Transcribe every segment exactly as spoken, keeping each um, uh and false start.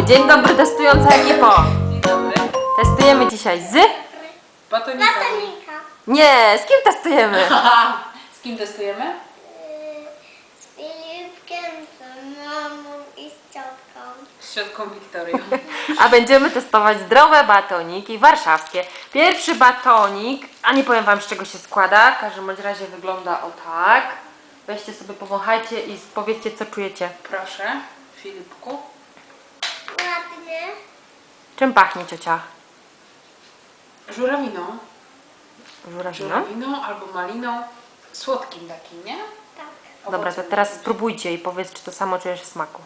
Dzień dobry, testująca ekipo. Dzień dobry. Testujemy dzisiaj z... Batonika. Batonika. Nie, z kim testujemy? Z kim testujemy? Z Filipkiem, z mamą i z ciotką. Z ciotką Wiktorią. A będziemy testować zdrowe batoniki warszawskie. Pierwszy batonik, a nie powiem wam z czego się składa, w każdym bądź razie wygląda o tak. Weźcie sobie, powąchajcie i powiedzcie co czujecie. Proszę, Filipku. Ładny. Czym pachnie ciocia? Żurawiną. Żurawiną? Żurawiną albo maliną. Słodkim takim, nie? Tak. Dobra, to Owocem teraz jakimś. spróbujcie i powiedz czy to samo czujesz w smaku.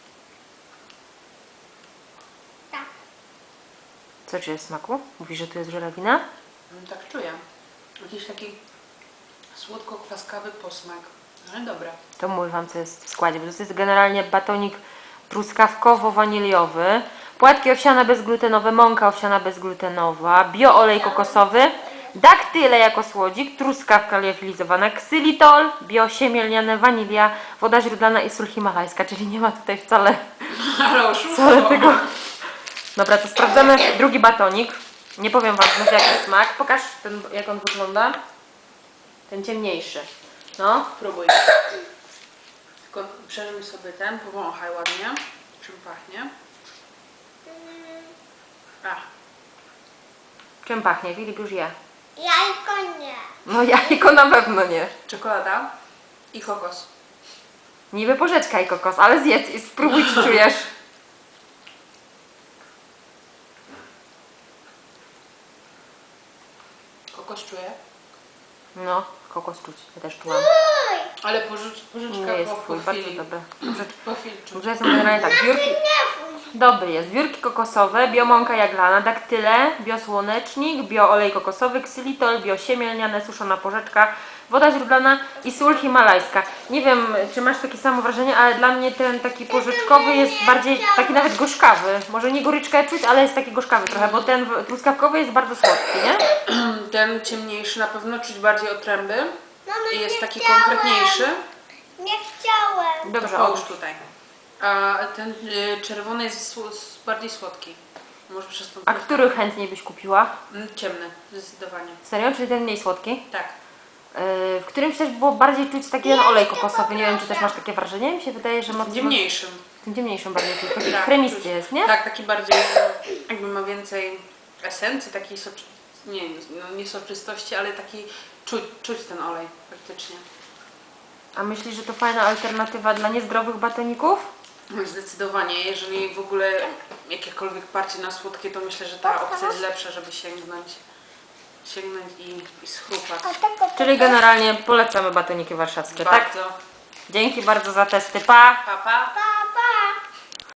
Tak. Co czujesz w smaku? Mówisz, że tu jest żurawina? Mm, Tak czuję. Jakiś taki słodko-kwaskawy posmak. Ale dobra. To mówię wam co jest w składzie, bo to jest generalnie batonik truskawkowo-waniliowy, płatki owsiane bezglutenowe, mąka owsiana bezglutenowa, bioolej kokosowy, daktyle jako słodzik, truskawka liofilizowana, ksylitol, biosiemię wanilia, woda źródlana i sól himalajska, czyli nie ma tutaj wcale, Ale oszustwo. wcale tego. Dobra, to sprawdzamy drugi batonik. Nie powiem wam znów jaki smak. Pokaż ten, jak on wygląda. Ten ciemniejszy. No. Próbuj. Tylko przeżyj sobie ten, powąchaj ładnie. Czym pachnie? Mm, A, Czym pachnie? Filip już je. Jajko nie. No jajko na pewno nie. czekolada i kokos. Niby porzeczka i kokos, ale zjedz i spróbuj czy czujesz. Kokos czuję. No, kokos czuć. Ja też czułam. Uj, Ale pożycz, pożyczka Nie jest po, twój, po bardzo chwili. dobry. Po chwilczu. Dobrze, są generalnie tak. Biurki, nie fuj. dobry jest. Biurki kokosowe, biomąka jaglana, daktyle, biosłonecznik, bioolej kokosowy, ksylitol, biosiemię lniane, suszona porzeczka, woda źródlana i sól himalajska. Nie wiem, czy masz takie samo wrażenie, ale dla mnie ten taki porzeczkowy jest bardziej taki nawet gorzkawy. Może nie goryczkę czuć, ale jest taki gorzkawy trochę, bo ten w- truskawkowy jest bardzo słodki, nie? Ten ciemniejszy na pewno czuć bardziej otręby Mamo, i jest nie taki chciałem. konkretniejszy. Nie chciałem. Dobrze, To połóż odłóż. tutaj. A ten y, czerwony jest sł- s- bardziej słodki. Może przez tą A który chętniej byś kupiła? Mm, Ciemny, zdecydowanie. Serio? Czyli ten mniej słodki? Tak. Yy, w którymś też było bardziej czuć taki ten olej kokosowy. Nie wiem, czy też masz takie wrażenie? Mi się wydaje, że mocno... Ciemniejszym. Tym ciemniejszym bardziej czuć. Taki Tak, kremisty czuć. jest, nie? Tak, taki bardziej, jakby ma więcej esencji, takiej soczy... nie, no nie soczystości, ale taki czuć, czuć ten olej faktycznie. A myślisz, że to fajna alternatywa dla niezdrowych batoników? No zdecydowanie, jeżeli w ogóle jakiekolwiek parcie na słodkie, to myślę, że ta opcja jest lepsza, żeby sięgnąć, sięgnąć i, i schrupać. A tego Czyli generalnie polecamy batoniki warszawskie, tak? Bardzo. Dzięki bardzo za testy, pa! Pa, pa. pa.